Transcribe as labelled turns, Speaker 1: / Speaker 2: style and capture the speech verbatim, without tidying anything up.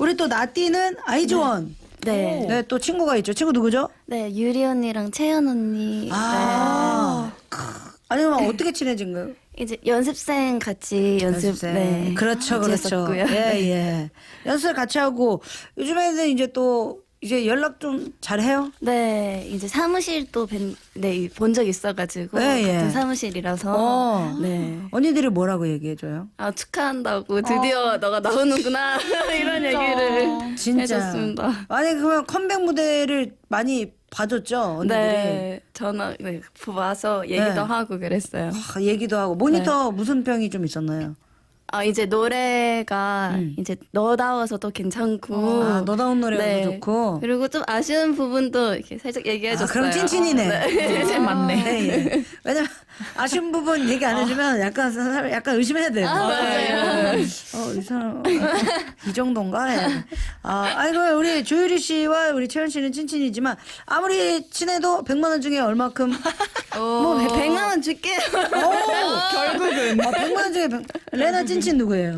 Speaker 1: 우리 또 나띠는 아이즈원.
Speaker 2: 네.
Speaker 1: 네, 또 친구가 있죠. 친구 누구죠?
Speaker 2: 네, 유리 언니랑 채연 언니.
Speaker 1: 아. 아니, 그럼 어떻게 친해진 거예요?
Speaker 2: 네. 이제 연습생 같이 연습.
Speaker 1: 연습생.
Speaker 2: 네.
Speaker 1: 그렇죠,
Speaker 2: 같이
Speaker 1: 그렇죠.
Speaker 2: 했었고요.
Speaker 1: 예,
Speaker 2: 네.
Speaker 1: 예. 연습을 같이 하고 요즘에는 이제 또 이제 연락 좀 잘해요?
Speaker 2: 네, 이제 사무실도 뵌, 네, 본 적 있어가지고
Speaker 1: 네, 예.
Speaker 2: 같은 사무실이라서.
Speaker 1: 어.
Speaker 2: 네.
Speaker 1: 언니들이 뭐라고 얘기해줘요?
Speaker 2: 아 축하한다고 드디어 너가 나오는구나 이런 얘기를
Speaker 1: 진짜.
Speaker 2: 해줬습니다.
Speaker 1: 아니, 그러면 컴백 무대를 많이 봐줬죠, 언니들이?
Speaker 2: 네, 전화 네, 와서 얘기도
Speaker 1: 네.
Speaker 2: 하고 그랬어요.
Speaker 1: 아, 얘기도 하고 모니터
Speaker 2: 네.
Speaker 1: 무슨 평이 좀 있었나요?
Speaker 2: 아 이제 노래가
Speaker 1: 음.
Speaker 2: 이제 너다워서도 괜찮고
Speaker 1: 아, 너다운 노래도
Speaker 2: 네.
Speaker 1: 좋고.
Speaker 2: 그리고 좀 아쉬운 부분도 이렇게 살짝 얘기해줬어요.
Speaker 1: 아, 그럼 찐친이네.
Speaker 3: 찐친 맞네.
Speaker 1: 네, 예. 왜냐면 아쉬운 부분 얘기 안 해주면 약간 사람 약간 의심해야 돼요.
Speaker 2: 아, 맞아요.
Speaker 1: 어, 이 사람 이 정도인가? 해. 아, 아이고 우리 조유리 씨와 우리 채연 씨는 찐친이지만 아무리 친해도 백만 원 중에 얼마큼?
Speaker 2: 뭐 백만 원 줄게요.
Speaker 1: 오, 결국은 아, 백만 원 중에 백... 레나 찐친 누구예요?